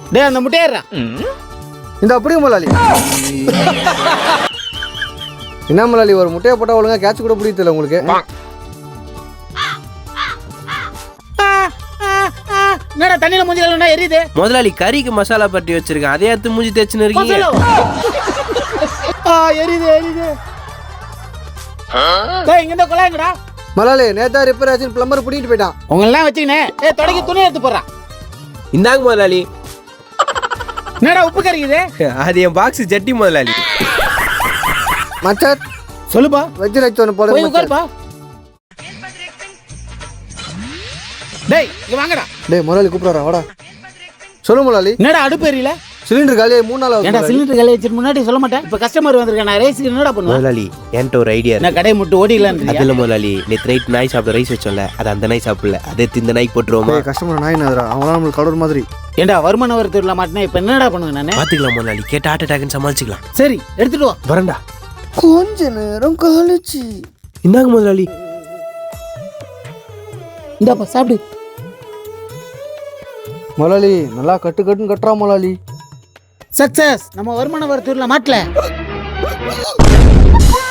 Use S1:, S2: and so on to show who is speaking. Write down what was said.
S1: டேய் அந்த முட்டையறா
S2: இந்த அப்படியே முதலாளி. என்ன முதலாளி ஒரு முட்டையை போட்டால் ஒழுங்கா கேட்ச் கூட பிடிக்கல உங்களுக்கு?
S1: என்னடா தண்ணியில மூஞ்சி கழுவுனா எரியுது?
S3: முதலாளி கறிக்கு மசாலா பட்டி வச்சிருக்கேன், அதே எடுத்து மூஞ்சி தேய்ச்சின்னு இருக்கீங்க.
S1: எரியுது எரியுது. டேய் இங்க இந்த குழாய்ங்கடா.
S2: முதலாளி நேத்தா ரிப்பேர் ஆச்சுன்னு பிளம்பர் பிடிக்கிட்டு போயிட்டான்.
S1: உங்களெல்லாம் வச்சுக்கினே தொடங்கி துணி எடுத்து போடுறான்.
S3: இந்தாங்க முதலாளி.
S1: என்னடா உப்பு கறிக்குது?
S3: அது என் பாக்ஸ் ஜட்டி முதலாளி.
S2: மச்சான்
S1: சொல்லுப்பா.
S2: வெஜ் ரைஸ் ஒன்று
S1: போய்
S2: போடுங்க.
S1: உட்காருப்பா. டேய் இங்க வாங்கடா.
S2: டேய் முதலாளி கூப்பிடுறா வாடா. சொல்லு முதலாளி.
S1: என்னடா அடுப்பு எரியல?
S2: சிலிண்டர் காலியாக 3 நாள்
S1: ஏன்டா
S2: ஆகுது.
S1: சிலிண்டர் காலி வச்சிட்டு முன்னாடி சொல்ல மாட்டேன். இப்ப கஸ்டமர் வந்திருக்கேன், நான் ரைஸ் என்னடா பண்ணுவேன்?
S3: முதலாளி என்கிட்ட ஒரு ஐடியா
S1: நான் கடையை முட்டு ஓடிடலான்னு.
S3: அதில் முதலாளி நேற்று நைட் நாய் சாப்பிட ரைஸ் வச்சோம்ல, அது அந்த நாய் சாப்பிடல, அதை இந்த நாய்க்கு போட்டுருவோமா?
S2: கஸ்டமர் நாய் நதுரா அவங்களாம் நம்மளுக்கு கடவுள் மாதிரி.
S1: ஏன்டா வருமான வரத்துல மாட்டினா இப்ப என்னடா பண்ணுவேன் நானு?
S3: பாத்துக்கலாம் முதலாளி, கேட்ட ஹார்ட் அட்டாக்னு சமாளிச்சுக்கலாம்.
S1: சரி எடுத்துட்டு வா.
S3: வரண்டா.
S2: கொஞ்ச நேரம் கழிச்சு.
S3: இந்தாங்க முதலாளி.
S1: இந்தாப்பா சாப்பிடு.
S2: முதலாளி நல்லா கட்டுன்னு கட்டுறா முதலாளி.
S1: சக்சஸ். நம்ம வருமான வரத்துல மாட்டல.